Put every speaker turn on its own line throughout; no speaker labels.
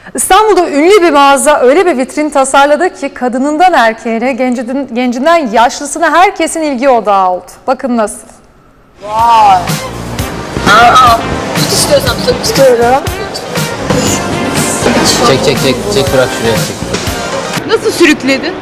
İstanbul'da ünlü bir mağaza öyle bir vitrin tasarladı ki kadınından erkeğine, gencinden yaşlısına herkesin ilgi odağı oldu. Bakın nasıl.
Vay. Tut istiyorsan tutuyorum.
Çek bırak şuraya çek.
Nasıl sürükledin?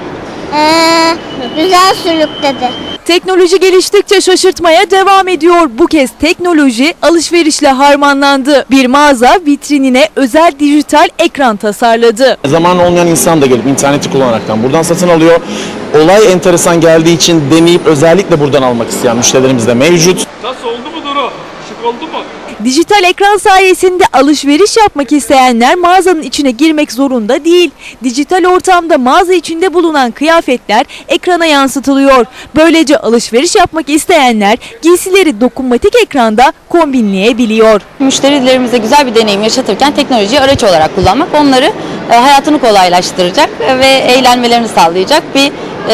Güzel sürükledi.
Teknoloji geliştikçe şaşırtmaya devam ediyor. Bu kez teknoloji alışverişle harmanlandı. Bir mağaza vitrinine özel dijital ekran tasarladı.
Zamanı olmayan insan da gelip interneti kullanaraktan buradan satın alıyor. Olay enteresan geldiği için deneyip özellikle buradan almak isteyen müşterilerimiz de mevcut.
Nasıl oldu mu Duru? Şık oldu mu?
Dijital ekran sayesinde alışveriş yapmak isteyenler mağazanın içine girmek zorunda değil. Dijital ortamda mağaza içinde bulunan kıyafetler ekrana yansıtılıyor. Böylece alışveriş yapmak isteyenler giysileri dokunmatik ekranda kombinleyebiliyor.
Müşterilerimize güzel bir deneyim yaşatırken teknolojiyi araç olarak kullanmak onları hayatını kolaylaştıracak ve eğlenmelerini sağlayacak bir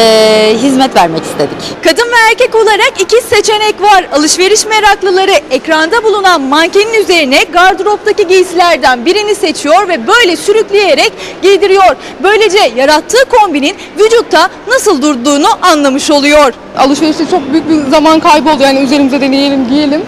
hizmet vermek istedik.
Kadın ve erkek olarak iki seçenek var. Alışveriş meraklıları ekranda bulunan mankenin üzerine gardıroptaki giysilerden birini seçiyor ve böyle sürükleyerek giydiriyor. Böylece yarattığı kombinin vücutta nasıl durduğunu anlamış oluyor.
Alışverişte çok büyük bir zaman kaybı oldu. Yani üzerimize deneyelim, giyelim.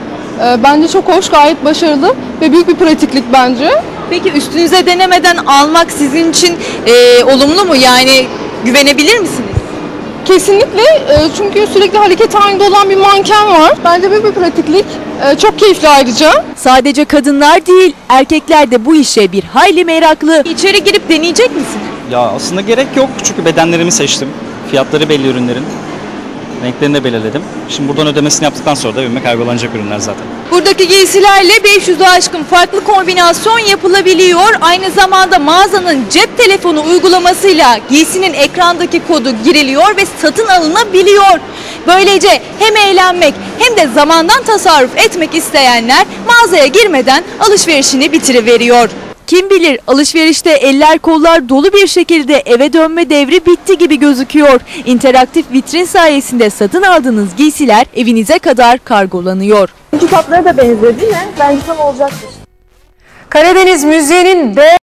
Bence çok hoş, gayet başarılı ve büyük bir pratiklik bence.
Peki üstünüze denemeden almak sizin için olumlu mu? Yani güvenebilir misiniz?
Kesinlikle, çünkü sürekli hareket halinde olan bir manken var. Bence büyük bir pratiklik, çok keyifli ayrıca.
Sadece kadınlar değil, erkekler de bu işe bir hayli meraklı. İçeri girip deneyecek misiniz?
Ya aslında gerek yok çünkü bedenlerimi seçtim. Fiyatları belli ürünlerin. Renklerini de belirledim. Şimdi buradan ödemesini yaptıktan sonra da evime kaybolanacak ürünler zaten.
Buradaki giysilerle 500'ü aşkın farklı kombinasyon yapılabiliyor. Aynı zamanda mağazanın cep telefonu uygulamasıyla giysinin ekrandaki kodu giriliyor ve satın alınabiliyor. Böylece hem eğlenmek hem de zamandan tasarruf etmek isteyenler mağazaya girmeden alışverişini bitiriveriyor. Kim bilir alışverişte eller kollar dolu bir şekilde eve dönme devri bitti gibi gözüküyor. İnteraktif vitrin sayesinde satın aldığınız giysiler evinize kadar kargolanıyor.
Kitaplara da benzedi mi? Bence tam olacaktır.
Karadeniz müziğinin